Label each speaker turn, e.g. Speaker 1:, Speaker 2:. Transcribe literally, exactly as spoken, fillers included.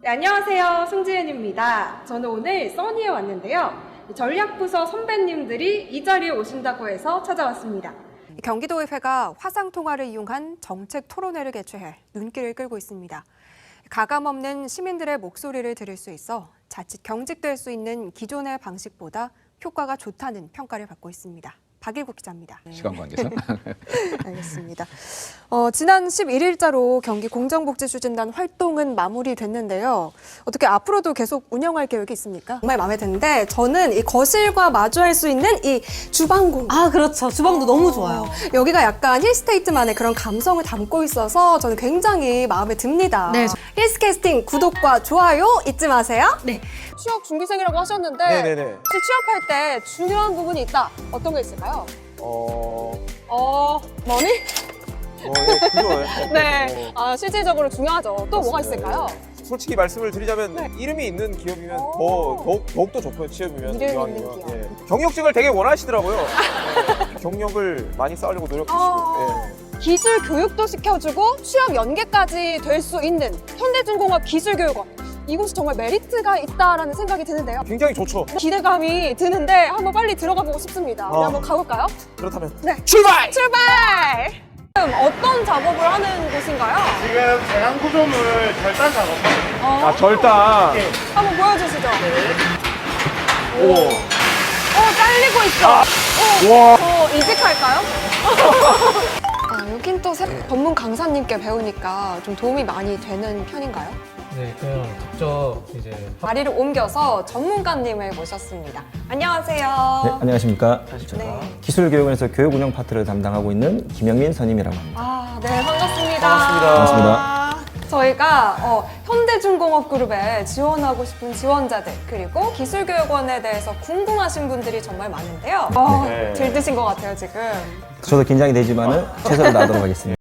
Speaker 1: 네, 안녕하세요. 송지은입니다. 저는 오늘 써니에 왔는데요. 전략부서 선배님들이 이 자리에 오신다고 해서 찾아왔습니다. 경기도의회가 화상통화를 이용한 정책 토론회를 개최해 눈길을 끌고 있습니다. 가감없는 시민들의 목소리를 들을 수 있어 자칫 경직될 수 있는 기존의 방식보다 효과가 좋다는 평가를 받고 있습니다. 박일국 기자입니다.
Speaker 2: 시간 관계상.
Speaker 1: 알겠습니다. 어, 지난 십일 일자로 경기 공정복지추진단 활동은 마무리됐는데요. 어떻게 앞으로도 계속 운영할 계획이 있습니까? 정말 마음에 드는데 저는 이 거실과 마주할 수 있는 이 주방 공간.
Speaker 3: 아, 그렇죠. 주방도 너무 좋아요.
Speaker 1: 여기가 약간 힐스테이트만의 그런 감성을 담고 있어서 저는 굉장히 마음에 듭니다.
Speaker 3: 네.
Speaker 1: 힐스캐스팅 구독과 좋아요 잊지 마세요.
Speaker 3: 네.
Speaker 1: 취업 준비생이라고 하셨는데
Speaker 4: 네네네.
Speaker 1: 혹시 취업할 때 중요한 부분이 있다. 어떤 게 있을까요?
Speaker 4: 어,
Speaker 1: 어, 머니?
Speaker 4: 어, 예, 그죠.
Speaker 1: 네,
Speaker 4: 어,
Speaker 1: 아, 실질적으로 중요하죠. 또 뭐가
Speaker 4: 맞습니다.
Speaker 1: 있을까요?
Speaker 4: 솔직히 말씀을 드리자면
Speaker 1: 네.
Speaker 4: 이름이 있는 기업이면
Speaker 1: 오.
Speaker 4: 더, 더욱, 더욱더 좋고요, 취업이면.
Speaker 1: 이름
Speaker 4: 이왕이면.
Speaker 1: 있는 기업.
Speaker 4: 예. 경력직을 되게 원하시더라고요. 예. 경력을 많이 쌓으려고 노력하시고.
Speaker 1: 어.
Speaker 4: 예.
Speaker 1: 기술 교육도 시켜주고 취업 연계까지 될 수 있는 현대중공업 기술교육원. 이곳이 정말 메리트가 있다라는 생각이 드는데요.
Speaker 4: 굉장히 좋죠.
Speaker 1: 기대감이 드는데 한번 빨리 들어가 보고 싶습니다. 우리
Speaker 4: 어.
Speaker 1: 한번 가볼까요?
Speaker 4: 그렇다면
Speaker 1: 네.
Speaker 4: 출발!
Speaker 1: 출발! 지금 어떤 작업을 하는 곳인가요?
Speaker 5: 지금 배관 구조물 절단 작업하거든요.
Speaker 1: 어.
Speaker 4: 아, 절단.
Speaker 5: 네.
Speaker 1: 한번 보여주시죠.
Speaker 4: 오.
Speaker 1: 어, 잘리고 있어. 어,
Speaker 4: 와.
Speaker 1: 저 이직할까요? 아, 여긴 또 새- 전문 강사님께 배우니까 좀 도움이 많이 되는 편인가요?
Speaker 6: 네, 그냥 직접 이제
Speaker 1: 자리를 옮겨서 전문가님을 모셨습니다. 안녕하세요.
Speaker 7: 네, 안녕하십니까.
Speaker 1: 네.
Speaker 7: 기술교육원에서 교육 운영 파트를 담당하고 있는 김영민 선임이라고 합니다.
Speaker 1: 아, 네, 반갑습니다.
Speaker 4: 반갑습니다.
Speaker 7: 반갑습니다.
Speaker 1: 저희가 어, 현대중공업그룹에 지원하고 싶은 지원자들 그리고 기술교육원에 대해서 궁금하신 분들이 정말 많은데요. 어,
Speaker 4: 네.
Speaker 1: 들뜨신 것 같아요, 지금.
Speaker 7: 저도 긴장이 되지만은 최선을 다하도록 하겠습니다.